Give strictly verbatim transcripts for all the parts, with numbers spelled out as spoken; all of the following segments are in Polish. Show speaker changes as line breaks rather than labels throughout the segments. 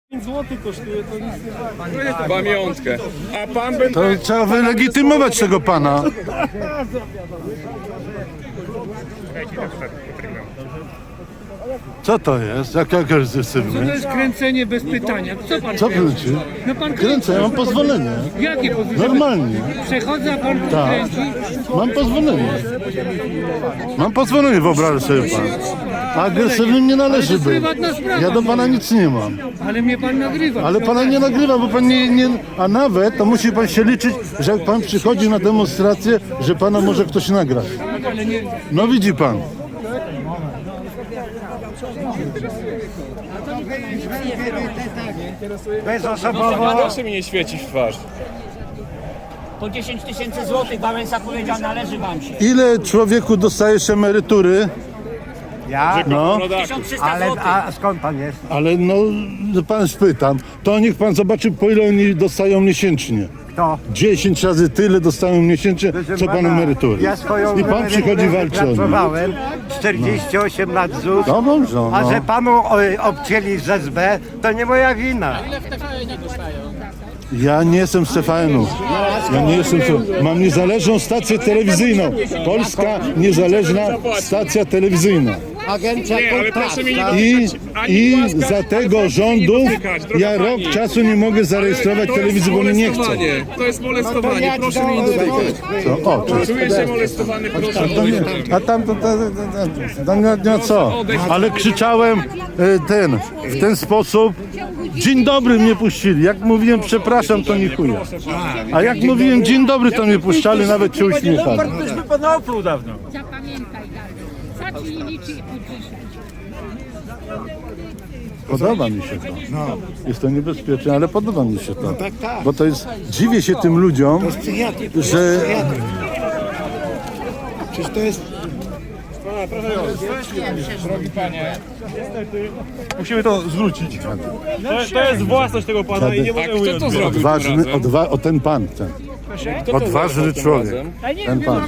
pięć złotych kosztuje, to nic nie da.
Pamiątkę. A pan by...
To trzeba wylegitymować tego pana. Co to jest? Jak jak
To
agresywny?
jest kręcenie bez pytania. Co pan
Co
kręci?
kręci?
No pan
Kręcę, ja mam pozwolenie.
Jakie pozwolenie?
Normalnie.
Przechodzę, a pan tu
Tak.
kręci?
Mam pozwolenie. Mam pozwolenie, wyobraź sobie pan. Agresywnym nie należy być.
prywatna sprawa.
Ja do pana nic nie mam.
Ale mnie pan nagrywa.
Ale pana nie nagrywa, bo pan nie, nie... A nawet to musi pan się liczyć, że jak pan przychodzi na demonstrację, że pana może ktoś nagrać.
Ale nie...
No widzi pan.
Bezosobowo.
Proszę mi nie świecić w twarz.
Po dziesięć tysięcy złotych Wałęsa powiedział, należy wam się.
Ile człowieku dostajesz emerytury?
Ja?
No,
tysiąc trzysta
Ale
złotych.
a skąd pan jest?
ale no, pan spytam, to niech pan zobaczy, po ile oni dostają miesięcznie.
Kto?
dziesięć razy tyle dostają miesięcznie, co pan emerytury.
Ja swoją
I pan przychodzi walczy o nich.
Pracowałem czterdzieści osiem lat Z U S,
No dobrze,
a że
no.
panu o, obcięli z S B, to nie moja wina.
Ja nie jestem z T V N-u. Ja nie jestem. z- Mam niezależną stację telewizyjną. Polska niezależna stacja telewizyjna.
Nie, ale proszę mi nie
I,
dotykać. Ani
i
łaska,
za tego
proszę mi nie
rządu
dotykać, droga
ja rok
pani.
czasu nie mogę zarejestrować
To jest
telewizji, bo mnie nie chcą.
molestowanie. To jest molestowanie, proszę mi nie dotykać.
Co? O, cześć.
Czuję się molestowany, proszę
To nie,
odejść.
a tam to, to, to, to, to nie, nie co. Ale krzyczałem e, ten, w ten sposób. Dzień dobry mnie puścili. Jak mówiłem przepraszam, to nie chuja. A jak mówiłem dzień dobry, to mnie puszczali, nawet się uśmiechali.
Ktoś by pana opluł dawno.
Zapamiętaj, Darku. Zacznij liczyć od dzisiaj.
Podoba mi się to. Jest to niebezpieczne, ale podoba mi się to. Bo to jest, dziwię się tym ludziom, że
Musimy to zwrócić. To, to jest własność tego pana i nie
A
możemy
kto
ująć.
to zrobił tym
odważny,
razem?
odwa, o ten pan, ten.
Kto to
Odważny
zrobił tym
człowiek.
razem?
Ten pan.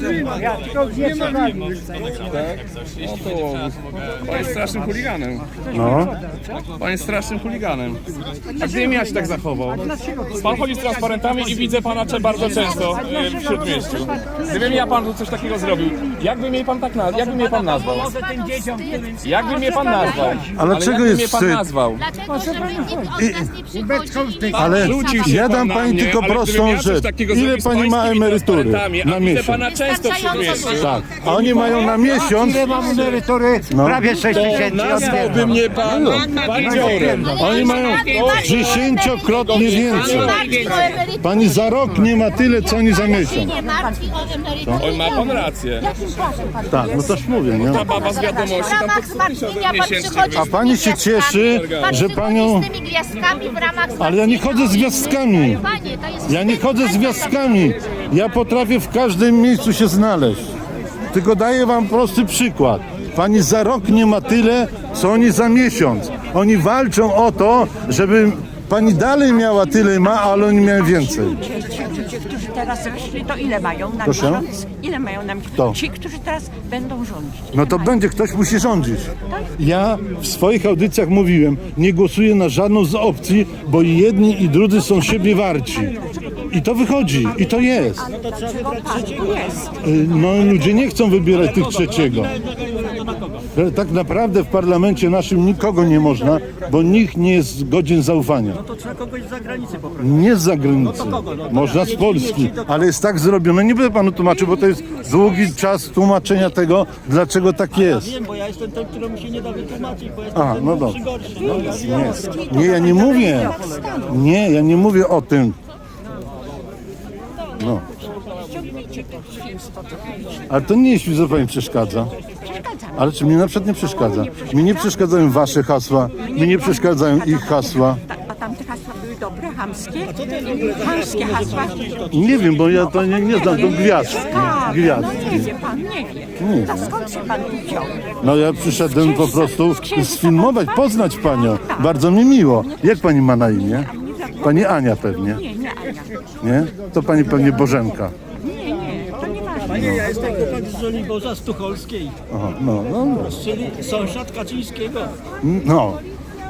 No to... Pan jest strasznym chuliganem.
No.
Pan jest strasznym chuliganem. A gdybym ja się tak zachował? Pan chodzi z transparentami i widzę pana cze- bardzo często e, w Śródmieściu. Gdybym ja panu coś takiego zrobił, jakby mnie pan tak nazwał? Jakby mnie pan nazwał?
Może tym dzieciom, którym...
Jakby mnie pan nazwał?
Ale czego
jakby
jest
mnie pan
wstyd?
nazwał?
Dlaczego, żeby nikt od nas nie przychodzi?
Ale
Rzucił się
ja
pan
dam
na
pani
mnie,
tylko
ale gdybym
prostą
ja coś
rzecz.
takiego
Ile
zrobił z
pani ma
pańskimi
emerytury
transparentami,
na
a widzę
miesiąc?
pana często w Śródmieściu.
Tak. A oni mają na miesiąc,
Ile mam emerytury?
No.
Prawie sześć tysięcy.
Nazwałby mnie pan bandziorem.
oni mają dziesięciokrotnie więcej. Pani za rok nie ma tyle, co oni za miesiąc.
Nie martwi o emeryturę.
Oj, ma pan rację.
Jakim czasem pan
Tak, no toż mówię, nie?
Ta baba z wiadomości
W
tam
ramach
podpisał
zmartwienia pan
miesięcznie.
przychodzi
A
z
pani
tymi
się cieszy,
gwiazdkami. Pan
że
przychodzi
panią...
z tymi gwiazdkami w ramach
Ale ja nie chodzę z gwiazdkami.
Panie, to jest
Ja nie
wstyd.
chodzę z gwiazdkami. Ja potrafię w każdym miejscu się znaleźć. Tylko daję wam prosty przykład. Pani za rok nie ma tyle, co oni za miesiąc. Oni walczą o to, żeby pani dalej miała tyle ma, ale oni miały więcej.
Ci ludzie, którzy teraz weszli, to ile mają na
Proszę?
miesiąc? Ile mają na miesiąc?
Kto?
Ci, którzy teraz będą rządzić.
No to będzie, ktoś musi rządzić. Ja w swoich audycjach mówiłem, nie głosuję na żadną z opcji, bo i jedni i drudzy są siebie warci. I to wychodzi, i to jest.
Dlaczego pan tu jest?
Y, No ludzie nie chcą wybierać tych trzeciego. Tak naprawdę w parlamencie naszym nikogo nie można, bo nikt nie jest godzien zaufania.
To trzeba kogoś z zagranicy poprosić.
Nie z zagranicy. Można z Polski, ale jest tak zrobione. Nie będę panu tłumaczył, bo to jest długi czas tłumaczenia tego, dlaczego tak jest.
Wiem, bo ja jestem ten, któremu się nie da wytłumaczyć, bo jestem
A,
ten
no
gorszy,
dobrze.
gorszy.
Nie, nie, ja nie mówię. Nie, ja nie mówię o tym. No. Ale to nie jeśli za pani przeszkadza. Ale czy mnie na przykład nie przeszkadza? Mi nie przeszkadzają wasze hasła, mi nie przeszkadzają ich hasła.
A tamte hasła były dobre, chamskie? Chamskie hasła?
Nie wiem, bo ja to nie, nie znam, to gwiazd.
Tak,
Gwiazd.
no nie wie pan, nie wie.
Nie
To skąd się pan tu wziął?
No ja przyszedłem po prostu sfilmować, poznać panią. Bardzo mi miło. Jak pani ma na imię? Pani Ania pewnie.
Nie, nie, Ania.
Nie? To pani pewnie Bożenka.
Nie, nie, to nie ważne.
Panie, ja jestem chłopak z Żoliborza, z Tucholskiej,
Aha, no, no,
czyli sąsiad Kaczyńskiego.
no.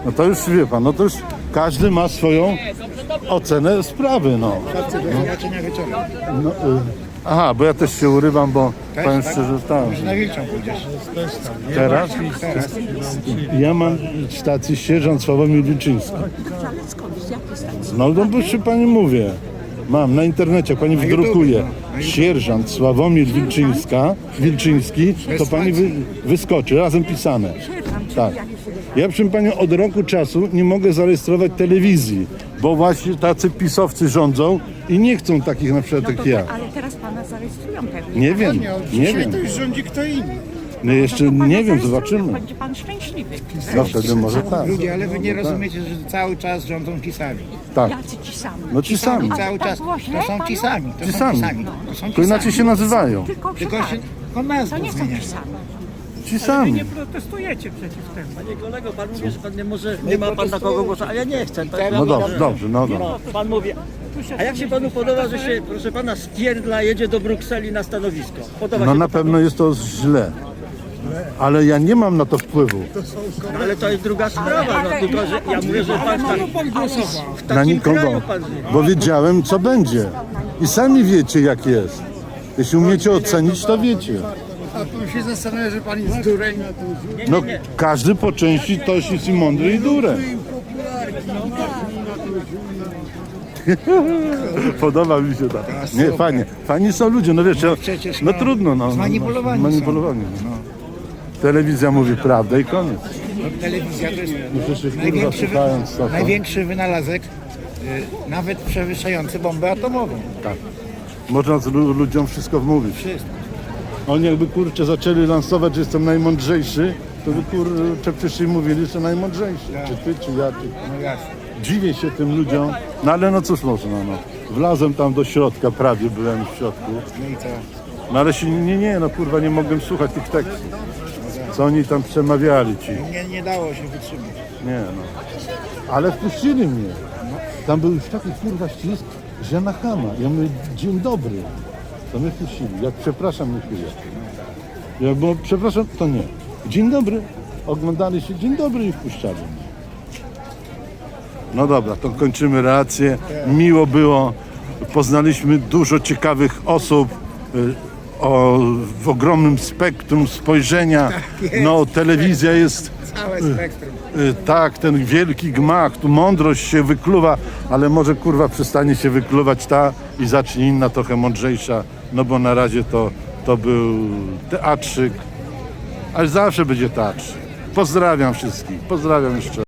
No to już wie pan, no to już każdy ma swoją ocenę sprawy, no. no y, aha, bo ja też się urywam, bo powiem szczerze, tak.
Na Wilczą pójdziesz.
Teraz? Ja mam stację sierżant Sławomir Wilczyński.
Ale skąd? Z jakiej stacji?
No to proszę pani mówię. Mam na internecie, pani wydrukuje sierżant Sławomir Wilczyńska, Wilczyński, to pani wy, wyskoczy, razem pisane. Tak. Ja proszę panią od roku czasu nie mogę zarejestrować telewizji, bo właśnie tacy pisowcy rządzą i nie chcą takich na przykład jak ja.
Ale teraz pana zarejestrują pewnie.
Nie wiem, nie wiem.
rządzi kto inny.
No jeszcze
To pana
nie wiem,
zarejestrują,
zobaczymy.
Będzie pan szczęśliwy.
No wtedy może tak.
Ludzie, ale wy nie rozumiecie, że cały czas rządzą ci sami.
Tak.
Jacy ci sami.
No ci sami.
Ale
Cały
tak
czas.
było źle
To są ci
panu?
sami. To
Ci
są
sami.
ci sami. To są ci
To inaczej
sami.
się nazywają.
Tylko, że
Tylko
tak.
się on nas
To nie są
zmienia.
ci sami.
Ci sami.
Protestujecie przeciw temu.
Panie kolego, pan mówi, że pan nie może, nie ma pan na kogo głosu, a ja nie chcę. To
No dobrze, dobrze, no dobrze.
no, pan mówi. A jak się panu podoba, że się, proszę pana, spierdla jedzie do Brukseli na stanowisko? Podoba
No
się
na
to panu?
pewno jest to źle. Ale ja nie mam na to wpływu.
Ale to jest druga sprawa, no tylko, że ja mówię, że pan tak, w
Na
takim
nikogo.
kraju pan żyje.
Bo wiedziałem, co będzie. I sami wiecie, jak jest. Jeśli umiecie ocenić, to wiecie.
A tu się zastanawia, że pan jest dureń.
No każdy po części toś jest i mądry i durę. Podoba mi się tak. Nie, fajnie. Fajni są ludzie, no wiesz, ja,
przecież,
no
no,
trudno, no.
zmanipulowani są.
Manipulowani. No. Telewizja mówi prawdę i koniec.
Telewizja to jest
Muszę się kurwa
największy, wy...
słuchając to.
największy wynalazek, y, nawet przewyższający bombę atomową.
Tak. Można z lu- ludziom wszystko wmówić.
Wszystko.
Oni jakby kurczę zaczęli lansować, że jestem najmądrzejszy, to by kurczę wcześniej mówili, że najmądrzejszy. Czy ty, czy ja, czy...
No jasne.
Dziwię się tym ludziom, no ale no cóż można, no. Wlazłem tam do środka, prawie byłem w środku.
No i co?
No ale się, nie, nie, no kurwa, nie mogłem słuchać tych tekstów. Co oni tam przemawiali ci.
Nie, nie dało się wytrzymać.
Nie, no. Ale wpuścili mnie. Tam był już taki kurwa ścisk, że na chama. Ja mówię, dzień dobry. To mnie wpuścili. Jak przepraszam, nie chwilę. Ja bo przepraszam, to nie. Dzień dobry. Oglądali się, dzień dobry i wpuszczali mnie. No dobra, to kończymy relację. Miło było. Poznaliśmy dużo ciekawych osób. y, O, w ogromnym spektrum spojrzenia. No, telewizja jest
Całe spektrum.
y, tak, ten wielki gmach, tu mądrość się wykluwa, ale może kurwa przestanie się wykluwać ta i zacznie inna trochę mądrzejsza, no bo na razie to, to był teatrzyk, ale zawsze będzie teatrzyk. Pozdrawiam wszystkich, pozdrawiam jeszcze.